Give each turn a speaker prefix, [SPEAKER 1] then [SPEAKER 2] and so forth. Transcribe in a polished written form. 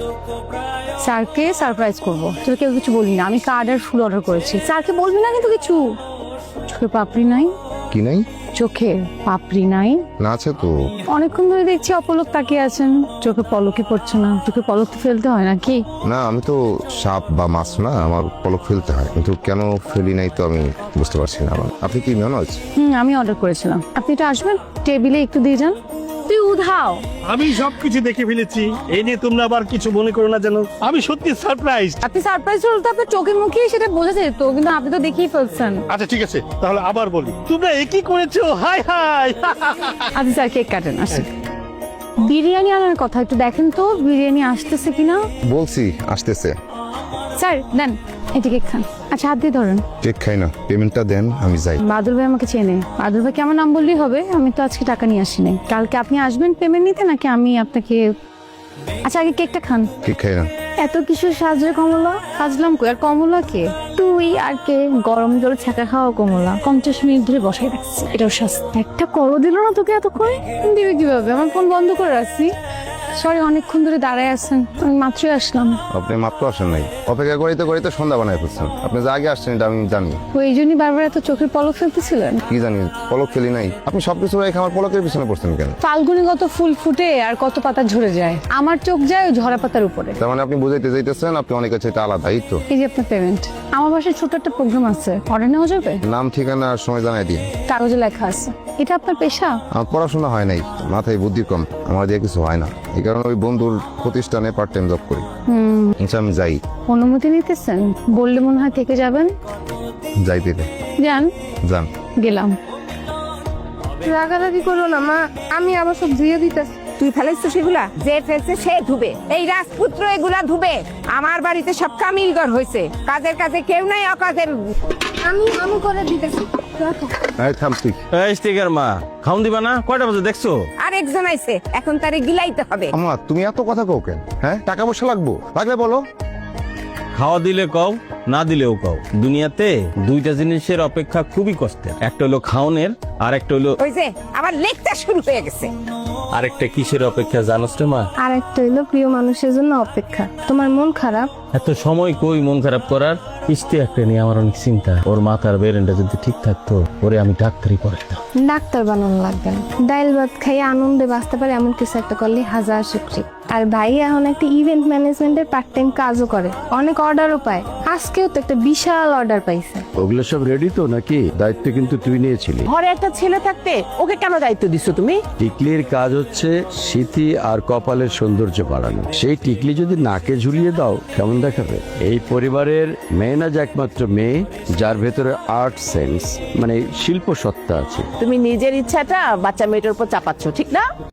[SPEAKER 1] স্যারকে সারপ্রাইজ করবো, তোকে কেউ কিছু বলবি না। আমি কার্ড আর ফুল অর্ডার করেছি। স্যারকে বলবি না কিন্তু কিছু। চোখে পাপড়ি নাই?
[SPEAKER 2] কি নাই?
[SPEAKER 1] চোখে পাপড়ি নাই?
[SPEAKER 2] না আছে তো।
[SPEAKER 1] অনেকক্ষণ ধরে দেখছি অপলক তাকিয়ে আছেন, চোখে পলকই পড়ছে না। চোখে পলক তো ফেলতে হয় নাকি?
[SPEAKER 2] না, আমি তো সাপ বা মাছ না, আমার পলক ফেলতে হয়, কিন্তু কেন ফেলি নাই তো আমি বুঝতে পারছি না। আপনি কি মেহনজ?
[SPEAKER 1] আমি অর্ডার করেছিলাম। আপনি তো আসবেন, টেবিলে একটু দিয়ে যান। তুই উধাও।
[SPEAKER 3] আমি সবকিছু দেখে ফেলেছি, এই নিয়ে তোমরা আবার কিছু মনে করো না যেন। আমি সত্যি সারপ্রাইজ।
[SPEAKER 1] আপনি সারপ্রাইজ হলে তো আপনার চোখে মুখেই সেটা বোঝা যেত, কিন্তু আপনি তো দেখেই ফেলছেন।
[SPEAKER 3] আচ্ছা ঠিক আছে, তাহলে আবার বলি, তোমরা একই করেছো। Hi hi.
[SPEAKER 1] আচ্ছা স্যার, কেক কাটেন। আসি, বিরিয়ানি আনার কথা একটু দেখেন তো, বিরিয়ানি আসতেছে কিনা।
[SPEAKER 2] বলছি আসতেছে।
[SPEAKER 1] স্যার দেন, এটি কেক খান। আচ্ছা হাত দিয়ে ধরেন।
[SPEAKER 2] কেক খাই না, পেমেন্টটা দেন, আমি যাই।
[SPEAKER 1] বাদল ভাই আমাকে চেনে। বাদল ভাইকে আমার নাম বললেই হবে। আমি তো আজকে টাকা নিয়ে আসি নাই। কালকে আপনি আসবেন পেমেন্ট নিতে, নাকি আমি আপনাকে? আচ্ছা আগে কেকটা খান।
[SPEAKER 2] কেক খাই না।
[SPEAKER 1] এত কিছু সাজরে কমলা? সাজলাম কই? আর কমলা কে? তুই আর কে? গরম জল ছাকা খাওয়া কমলা 50 মিনিট ধরে বসাই রাখছি। এটাও শাস্তি। একটা করো দিল না তোকে এতক্ষণ? দিবি কিভাবে? আমার ফোন বন্ধ করে রাখছি। সরি, অনেকক্ষণ ধরে দাঁড়ায় আছেন, আমি মাত্রই আসলাম।
[SPEAKER 2] আপনি মাত্র আসেন নাই, অপেক্ষা করিতে করিতে সন্ধ্যা বানায় ফেলছেন। আপনি যে আগে আসছেন এটা আমি জানি।
[SPEAKER 1] ওই জন্যই বারবার এত চোখের পলক ফেলতেছিলেন?
[SPEAKER 2] কি জানি, পলক ফেলি নাই। আপনি সবকিছু রেখে আমার পলকের পিছনে পড়ছেন কেন?
[SPEAKER 1] ফাল্গুনে কত ফুল ফুটে আর কত পাতা ঝরে যায়, আমার চোখ যায় ওই ঝরা পাতার উপরে।
[SPEAKER 2] তার মানে আপনি বুঝাইতে যাইতেছেন আপনি অনেকের চাইতে আলাদা, এই তো?
[SPEAKER 1] এই যে আপনার পেমেন্ট। আমার বাসায় ছোট একটা প্রোগ্রাম আছে, অর্ডার নেওয়া যাবে?
[SPEAKER 2] নাম ঠিকানা আর সময় জানাই দিন।
[SPEAKER 1] কাগজে লেখা আছে। এটা আপনার পেশা?
[SPEAKER 2] আমার পড়াশোনা হয় নাই, মাথায় বুদ্ধি কম, আমার দিয়ে কিছু হয় না। এই কারণে ওই বন্ধুর প্রতিষ্ঠানে পার্ট টাইম জব করি। আচ্ছা আমি যাই।
[SPEAKER 1] অনুমতি নিতেছেন? বললে মনে হয় থেকে যাবেন।
[SPEAKER 2] যাই দিলে
[SPEAKER 1] যান।
[SPEAKER 2] যান।
[SPEAKER 1] গেলাম।
[SPEAKER 4] রাগারাগি করো না মা, আমি আবার সব ধুয়ে দিতেছি।
[SPEAKER 5] তুই ফেলেছিস সেগুলা? যে ফেলছে সে ধুবে, এই রাজপুত্র এগুলা ধুবে। আমার বাড়িতে সব কামিলগর হয়েছে, কাজের কাজে কেউ নাই, অকাজের।
[SPEAKER 4] আমি করে দিতেছি।
[SPEAKER 2] এই থাম তুই।
[SPEAKER 6] এই স্টিকার মা, খাউন দিবা না? কয়টা বাজে দেখছো?
[SPEAKER 5] আর একজন আইছে, এখন তারে গিলাইতে হবে।
[SPEAKER 2] আমার তুমি এত কথা কও কেন? হ্যাঁ, টাকা পয়সা লাগবো, লাগলে বলো।
[SPEAKER 6] খাওয়া দিলে কও, না দিলেও কও। দুনিয়াতে দুইটা জিনিসের অপেক্ষা খুবই কষ্টের, একটা হলো খাওনের, আর একটা হলো
[SPEAKER 5] ওই যে আবার লেখটা শুরু হয়ে গেছে।
[SPEAKER 6] আরেকটা কিসের অপেক্ষা জানোস রে মা?
[SPEAKER 4] আর একটা হইলো প্রিয় মানুষের জন্য অপেক্ষা। তোমার মন খারাপ?
[SPEAKER 6] এত সময় কই মন খারাপ করার? কিস্তি একটা নিয়ে আমার অনেক চিন্তা। ওর মাথার বেরেনটা যদি ঠিক থাকতো, ওরে আমি ডাক্তারি পড়াইতাম।
[SPEAKER 4] ডাক্তার বানানো লাগবে না, ডাইল ভাত খাইয়ে আনন্দে বাঁচতে পারে এমন কিছু একটা করলে হাজার শুকরি। আর ভাই এখন একটা ইভেন্ট ম্যানেজমেন্টের পার্ট টাইম কাজও করে, অনেক অর্ডারও পায়। আজকেও তো একটা বিশাল অর্ডার পাইছে।
[SPEAKER 7] ওগুলো সব রেডি তো নাকি? দায়িত্ব কিন্তু তুই নিয়েছিলি।
[SPEAKER 5] ঘরে একটা ছেলে থাকতে ওকে কেন দায়িত্ব দিচ্ছ তুমি?
[SPEAKER 7] টিকলির কাজ হচ্ছে স্মৃতি আর কপালের সৌন্দর্য বাড়ানো। সেই টিকলি যদি নাকে ঝুলিয়ে দাও কেমন দেখাবে? এই পরিবারের মেয়েনাজ একমাত্র মেয়ে যার ভেতরে আর্ট সেন্স মানে শিল্প সত্তা আছে।
[SPEAKER 5] তুমি নিজের ইচ্ছাটা বাচ্চা মেয়েটার উপর চাপাচ্ছ, ঠিক না?